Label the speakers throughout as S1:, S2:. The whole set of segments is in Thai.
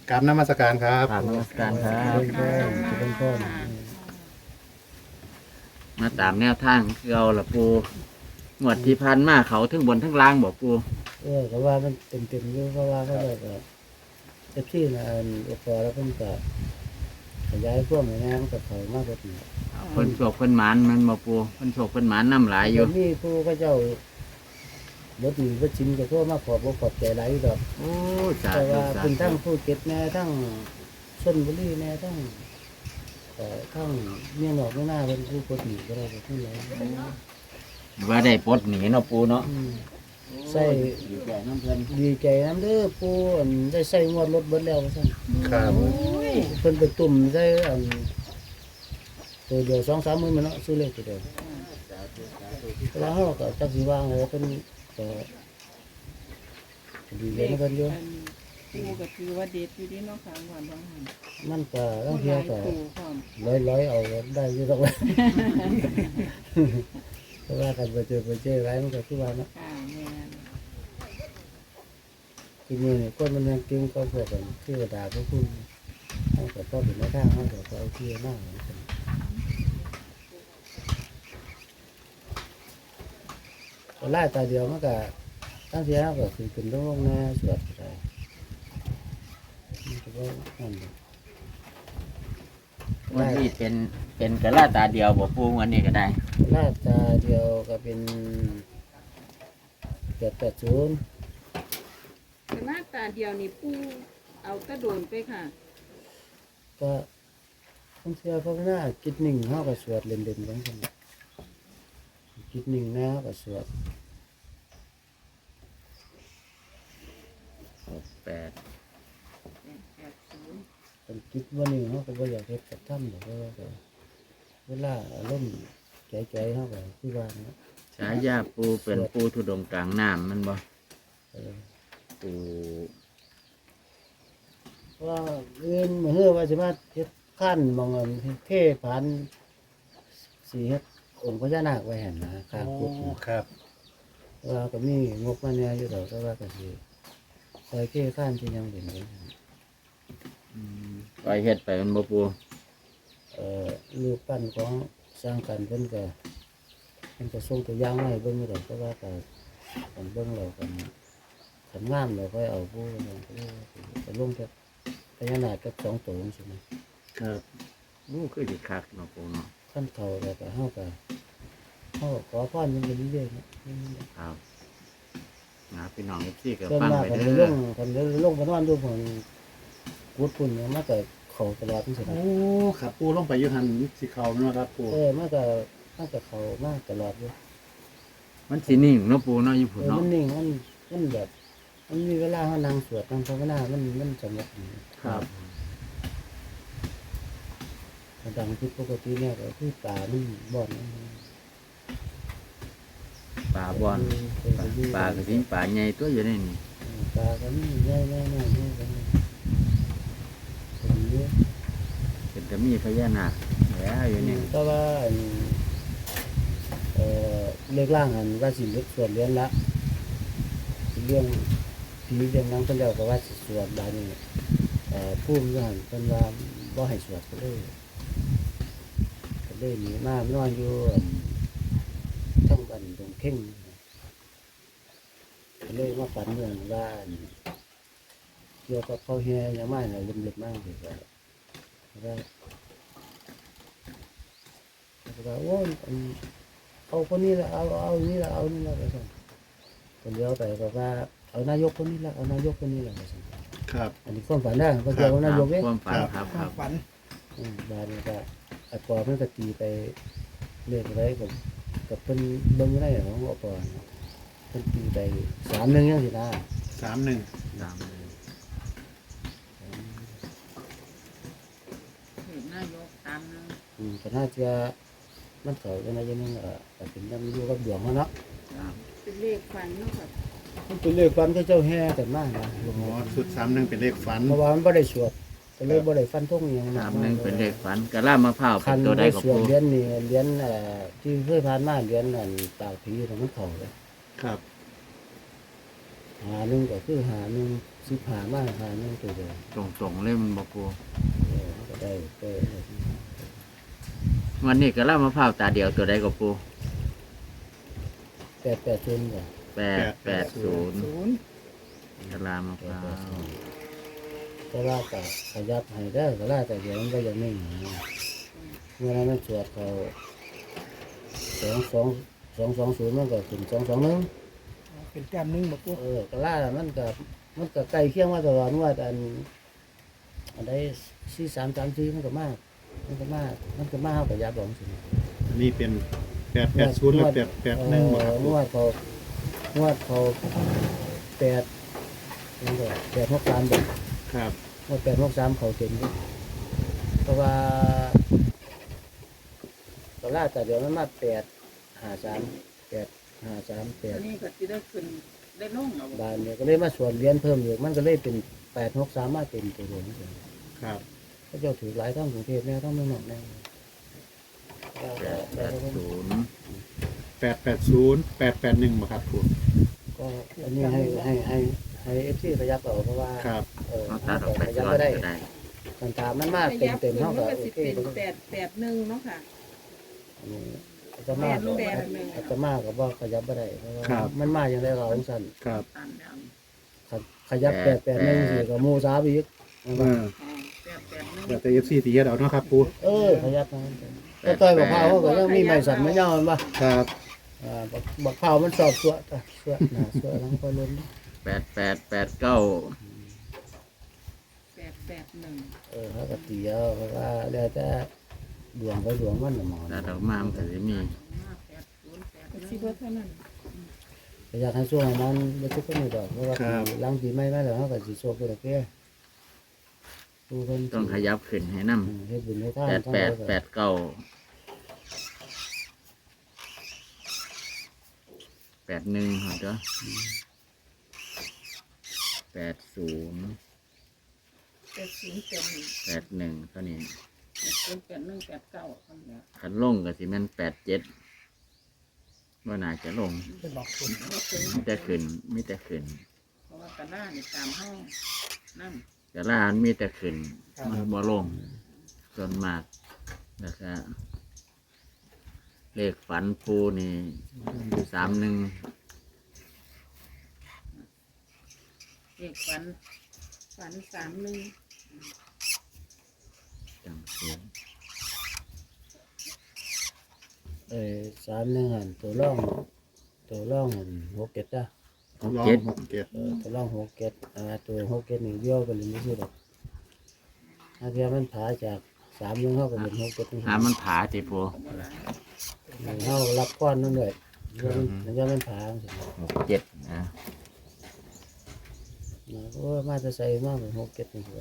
S1: กราบนมัสการครับ
S2: กราบนมัสการครับ
S3: เป็นพ่อ
S2: มาตามแนวทางคือเอาละปูหมวดที่พันมาเขาทั้งบนทั้งล่างบอกปู
S3: ก็ว่ามันเต็มๆอยู่เพราะว่าเขาแบบเอฟซีนะอุปกรณ์แล้วเพิ่งจะขยายพวกนี้นะมันก็เขามากกว่านี้
S2: เพิ่นโศกเพิ่นหมานมันบอกปูเพิ่นโศกเพิ่นหมานน้ำหลายอยู่
S3: มีผู้ก็เจ้าบดหนีบดชิมก็ทั่วมาขอบใจหลายดอก
S2: โอ้สา
S3: แต่
S2: ธุ
S3: ว่า
S2: สา
S3: เป็น
S2: ธุ
S3: ทั้งผู้เก็บแน่ทั้งชนบุรีแน่ทั้งทั้งเมียนอกเมียหน้าเป็นผู้กดหนีก็ได้ก็ผู้ใหญ่
S2: ว่าได้ปลดหนีเนาะปูเนาะ
S3: ใส่
S2: อยู่แก่น้ำเพิ่น
S3: ดีใจน้ำเด้อปูได้ใส่งวดรถเบิดแล้วว่าซั่น
S1: ครับ
S3: เพิ่นไปตุ่มใส่ตัวเดียว2-3มื้อมันเนาะซื้อเลขตัวเดียวแล้วเฮาก็จักสิวางเลยเพิ่นก็ดีเลยนะเพิ่นอยู่
S4: ปูก็คือว่าเด็ดอยู่ที่นอกทางวันบางหัน
S3: มันก็บางเทีก็
S4: ปูพร้อม
S3: ร้อยเอาได้อยู่ดอกว่าเพราะว่ากันไปเจอไว้มันก็คือว่าเนาะ
S4: ค่ะแม่น
S3: ทีนี้นี่คนมันยังเก่งก็พวกกันที่กระดาษพวกคุณเฮาก็ต้องเป็นในทางเฮาก็เอาที่หน้าเหมือนกันก็ไล่ตาเดียวมันก็ตั้งเสียก็คือเป็นโรคแน่สวดอะไรมันก็ว่านั่นแหละ
S2: วันนี้เป็นกระลาตาเดียวบอกปูวันนี้ก็ได้
S3: ไล่ตาเดียวก็เป็น880
S4: แต่หน้าตาเดียวนี่ปูเอากระโดนไปค่ะ
S3: ก็ตั้งเสียเพราะหน้าจิตหนึ่งเฮาก็สวดเล่นๆกันซั่นจิตหนึ่งนะก็สวด
S2: แปด
S3: เป็นจิตวันนี้เฮาก็บ่อยากเฮ็ดกับถ้ำดอกเพราะว่าก็เวลาอารมณ์ใจเฮาก็คือว่าเนาะ
S2: ฉายาปูเป็นปูทุดงค์กลางน้ำมันบ่
S3: เออ
S2: ปู
S3: เพราะว่าเอื้อนมื้อเฮือว่าสิมาเฮ็ดคั่นหมองอันเทผานสิเฮ็ดองค์พญานาคไว้หั่นนะข้าง
S1: โอ้
S3: กุฏ
S1: ครับ
S3: ว่าก็มีงบมาแหน่อยู่ดอกแต่ว่าก็สิซอยเทคั่นที่ยังเป็นอยู่
S2: ปล่อยเฮ็ดไปมันบ่ปู
S3: รูปปั้นของสร้างกันเพิ่นก็ส่งตัวอย่างมาให้เบิ่งอยู่ดอกแต่ว่าก็กันเบิ่งแล้วกันขันงามแล้วค่อยเอาผู้ไปลงกับพญานาคกับ2ตัวจังซี่นะครับ
S2: อู้คือสิคักเนาะปูเนาะ
S3: ขั้นเขาแล้วก็เฮาก็ขอพรมันเป็นเรื่อยๆนะครับ
S2: นะพี่น้องเอฟซีก็
S3: ส่วน
S2: ฟัง
S3: มาก
S2: ไป
S3: คัน
S2: เด้
S3: ล
S2: อง
S3: คันลงไปนอนอยู่ผมกุดพุ่นเนี่ยมันก็เข้าตลอดจังซี่นะ
S1: โอ้ครับปูลงไปอยุทันสิเขาเนาะครับปู
S3: มันก็เข้ามาตลอดอยู่
S2: มันสินิ่งเนาะปูเนาะอยู่พุ่น
S3: มั
S2: เนาะ
S3: นนิ่งมันแบบมันมีเวลาเฮานั่งสวดนั่งภาวนามันสงบดี
S1: ครับ
S3: มันดังผิดปกติเนี่ยก็คือตามันบ่อน
S2: ป่าบอนป่ากระสิงป่าใหญ่ตัวอยู่ในนี่
S3: ตาก็มีแน่ๆๆๆกันเป็นเยอะ
S2: เป็นจะมีพญานาคแล้วอยู่นี่
S3: แต่ว่าเลือกร่างอันว่าสิเลือกส่วนเรียนละเรื่องผีเรื่องนั้นเพิ่นเจ้าก็ว่าสิสวดบาดนี้ภูมิอยู่หั่นเพิ่นว่าบ่ให้สวดก็เลยหนีมานอนอยู่ทั้งบ้านตรงเข่งก็เลยมาฝันเรื่องว่าเกี่ยวกับเขาแห่ยังไม่น่ะลืมๆมากเลยว่าโอ้ยเอาคนนี้ละเอานี่ละเอานี่ละไปสั่งคนเดียวไปบอกว่าเอานายกคนนี้ละเอานายกคนนี้ละไปสั่ง
S1: ครับ
S3: อันนี้ความฝันได้ก็เกี่ยวกับนายกเอง
S2: ความฝันครับครับ
S1: ฝัน
S3: บานนี้ก็อัปอมันก็ตีไปเรื่อยไปกับเพิ่นเบิ่งได้ของอัปอเพิ่นตีไป3-1ยังสินะ
S1: 31
S2: ตามเลย
S4: เห็นนายกตามนึง
S3: ก็น่าจะมันเขาจะนายกนึงก็เป็นนำอยู่กับดวงเนาะ
S2: ครับ
S4: เป็นเลขฟันเนาะค่ะ
S3: มันเป็นเรื่องความที่เจ้าแห่กันมากนะ
S1: อ๋อสุด31เป็นเลขฝัน
S3: เพราะว่ามันบ่ได้สวดก็เลยบ่ได้ฟันธงอหยัง
S2: ตามหนึ่งเป็นเลขฝันกระลามะพร้าวเป็
S3: คั
S2: น
S3: น
S2: ตัวใด
S3: ได้
S2: กับ
S3: สวด
S2: ปู
S3: เรียนนี่เรียนที่เคยผ่านมาเรียนปากผีน่ะมันเข้าเลย
S1: ครับ
S3: หาหนึ่งก็คือหาหนึ่งสิบหามาหาหนึ่งตัวเดียว
S2: ตรงๆเล่มนบ่ปู
S3: ก็ได้ไป
S2: วันนี้ก็เล่ามะพร้าวตาเดียวตัวใดก็ปู
S3: 880จ้ะ
S2: 880กะลามะพร้าว
S3: ก็ว่าก็ขยับให้ได้ก็ล่าแต่เดี๋ยวมันก็ยังไม่หาเมื่อนั้นมันสวดเขา220มันก็ขึ้น221
S5: เป็นแต้มหนึงบ่ปู
S3: ก็ล่ามันก็ใกล้เคียงมาตลอดว่าอันใด4334มันก็มากมันก็มากเฮาก็ยับลงสิ
S1: อันนี้เป็น880หรือ881บ่ครับ
S3: ง
S1: ปู
S3: วดเขา8มันก็863เด้อ
S1: ครับ
S3: งวด863เขาเต็มเด้อเพราะว่าก็ล่าแต่เดี๋ยวมันมา853
S4: นี่ก็สิได้ขึ้นได้ลงเอา
S3: บานเนี่ยก็เลยมาส่วนเรียนเพิ่มอีกมันก็เลยเป็น863มาเต็มตัวเดียวนี่
S1: ครับ
S3: เขาเจ้าถือหลายทั้งกรุงเทพแน่ทั้งเมืองนอกแน่
S2: 880
S1: 881บ่ครับปู
S3: ก็อันนี้ให้FC ขยับเอาเพราะว่า
S1: ครับ
S2: เอาตัดออกไป
S3: ขยับ
S2: ก่อน
S3: ไม่ได้
S2: ก็ได้
S3: กันตามมันมาก
S4: ข
S3: เต็ม
S4: ยับ
S3: เต็ม
S4: ขึ้น
S3: เท่า
S4: มัน
S3: กับ
S4: ก็
S3: โอ
S4: สิ
S3: เค
S4: เป็น881เนาะค่ะ
S3: อาตมาอาตมากับว่าขยับไม่ได้เพราะว่ามันมาอย่างไรเราของสัน
S1: ครับ
S4: ตามแล้ว
S3: ขยับ881กับหมูสาบอีก
S1: เดี๋ยวแต่ FC ตีเฮ็ดเอาเนาะครับปู
S3: ขยับนะก็ต่อยบักพร้าวเขาก็ยังมีไม้สั่นไม่ยาวมันปะ
S1: ครับ
S3: บักพร้าวมันสอบสวดสวดหนาสวดหลังก็ล้น
S2: 8889
S4: 881
S3: เขาก็ตีเอาเพราะว่าแล้วแต่ดวงไปดวงมันน่ะหมอ
S2: ตัดออกมามันก็สิมี
S4: สิบ่เท่านั้น
S3: อยากให้ช่วงนั้นไม่ทุกคนไม่ดอกเพราะว่าหลังปีใหม่มาแล้วเขาก็สิโชคไปแล้วแก่ผู้เพิ่น
S2: ต้องขยับขึ้นให้นำ
S3: เฮ็ดบุญให้ทาน
S2: 8889 81หอดเด้อ80
S4: 80
S2: 81ตัวนี้
S4: 81 89คนแล้ว
S2: คันลงก็สิแม่น87ว่าน่าจะลง
S5: เป็นบอกคุณ
S2: มีแต่ขึ้นมีแต่ขึ้น
S4: เพราะว่ากระด้านี่ตามห้องนั่น
S2: แต่ละอันมีแต่ขึ้นมันบ่ลงส่วนมากแล้วก็เลขฝันปูนี่31
S4: เอกฝัน31
S2: จังซี่
S3: 31หันตัวร่องหัน6 7จ้ะ
S1: ลอง67
S3: ตัวร่อง6 7ตัว6 7นี่เบี้ยวไปเลยไม่ใช่ดอกถ้าเทียมันผาจาก3นึงเฮาก็เป็น6 7
S2: หามันผาติปู
S3: เฮารับก้อนนั่นด้วยมันมันผาจังซี่
S2: 67นะ
S3: โอ้มาจะใส่มาเป็น6 7นี่คือ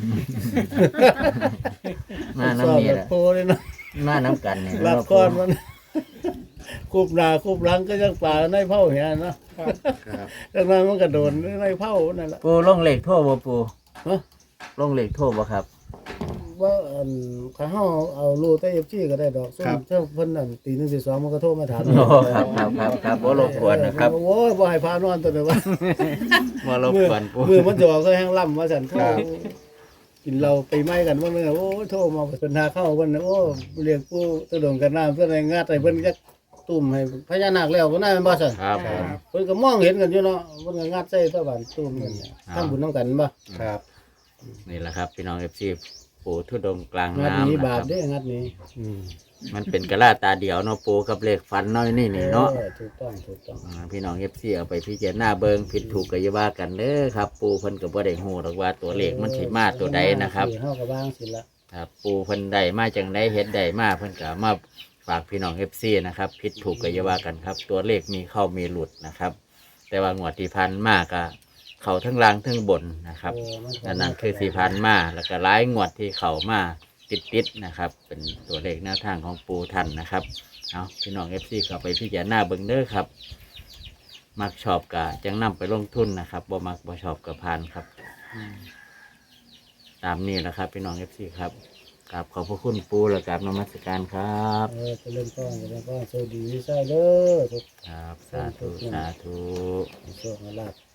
S2: มาน้ำนี่
S3: แห
S2: แห
S3: ละ
S2: ละ
S3: โพเลยเนาะ
S2: มาน้ำกันนี่
S3: รับก้อนมันคูบหน้าคูบหลังก็ยังป่าในเผาเหียเนาะ
S1: ครับ
S3: ดังนั้นมันก็โดนในเผานั่นแหละ
S2: ปูลงเหล็กโทษบ่ปู
S3: ฮะ
S2: ลงเหล็กโทษบ่ครับ
S3: ว่าข้าเฮาเอาลูกแต่ FC ก็ได้ดอกซุ่มเจ้าเพิ่นนั่นตี1ตี2มันก็โทรมาถาม
S2: โอ้ครับบ่รบกวนนะครับ
S3: โอ้ยบ่ให้พานอนตัวเด้อว่า
S2: บ่รบกวนปู
S3: มือมันจะออกก็แห้งล่ำว่าซั่นเขากินเราไปไหม้กันว่านึงโอ้โทรมาเป็นหาเข้าเพิ่นโอ้เรียกผู้ตะดงกันน้ำเพิ่นให้งัดให้เพิ่นจักตุ่มให้พญานาคแล้วก็น่าแม่นบ่ซั่น
S2: ครับผม
S3: เพิ่นก็มองเห็นกันอยู่เนาะเพิ่นก็งัดใส่ตะบ้านตุ่มกันเนี่ยทำบุญนํกันบ่
S1: ครับ
S2: นี่แหละครับพี่น้อง FC ปูทุดงค์กลาง
S3: งัด
S2: น้ำ
S3: นี้
S2: นะ
S3: บา
S2: ค
S3: ป
S2: รับ
S3: เด้งัดนี้
S2: มันเป็นกระลาตาเดียวเนาะปูกับเหล็กฟันน้อยนี่เนาะ
S3: ถูกต้อง
S2: พี่น้อง FC เอาไปพิจารณาเบิ่งผิดถูกก็อย่าว่ากันเด้อครับ ปูเพิ่นก็บ่ได้ฮู้หรอกว่าตัวเลขมันสิมาตัวใดนะครับ
S3: เฮาก็วางสิละ
S2: ครับปูเพิ่นได้มาจังไดเฮ็ดได้มาเพิ่นก็มาฝากพี่น้อง FC นะครับผิดถูกก็อย่าว่ากันครับ ตัวเลขมีเข้ามีหลุดนะครับ แต่ว่างวดที่ผ่านมาก็เข้าทั้งล่างทั้งบนนะครับนั่นคือที่ผ่านมาแล้วก็หลายงวดที่เข้ามาติดๆนะครับ เป็นตัวเลขแนวทางของปูท่านนะครับเอาพี่น้อง FC ก็ไปพิจารณาเบิ่งเด้อครับ มักชอบก็จังนำไปลงทุนนะครับบ่มักบ่ชอบก็ผ่านครับ ตามนี้แหละครับพี่น้อง FC ครับกราบขอบพระคุณปูและกราบนมัสการครับ
S3: จะเล่นก้อนสวัสดีวิสัยเด้อทุก
S2: ครับ สาธุ สาธุ
S3: โชคลาภ